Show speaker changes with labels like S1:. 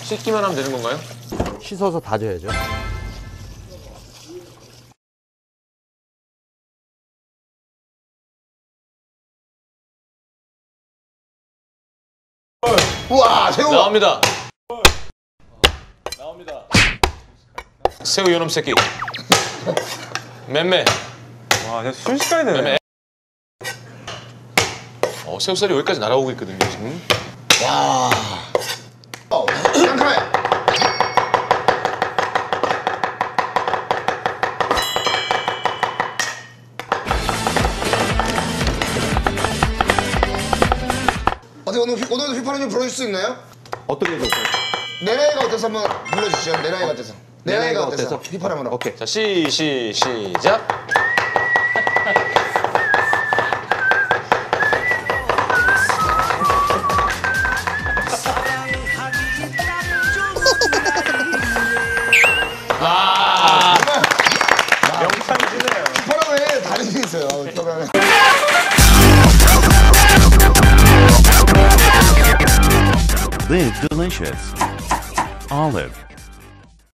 S1: 씻기만 하면 되는 건가요?
S2: 씻어서 다져야죠.
S3: 우와, 새우.
S1: 나옵니다. 나옵니다. 새우 요놈 새끼. 맴매.
S4: 와, 진짜 순식간에 되네.
S1: 맴매. 새우살이 여기까지 날아오고 있거든요, 지금.
S3: 와. 깜깜해. 오늘도 휘파람 좀 불러줄 수 있나요?
S2: 어떤 게 좋을까요?
S3: 내 나이가 어때서 한번 불러주시죠. 내 나이가 어때서. 내 나이가 어때서. 휘파람으로.
S2: 오케이.
S1: 자, 시작.
S4: 명창이시네요.
S3: 휘파람에 다른 게 있어요. 휘파람에.
S5: Live delicious. Olive.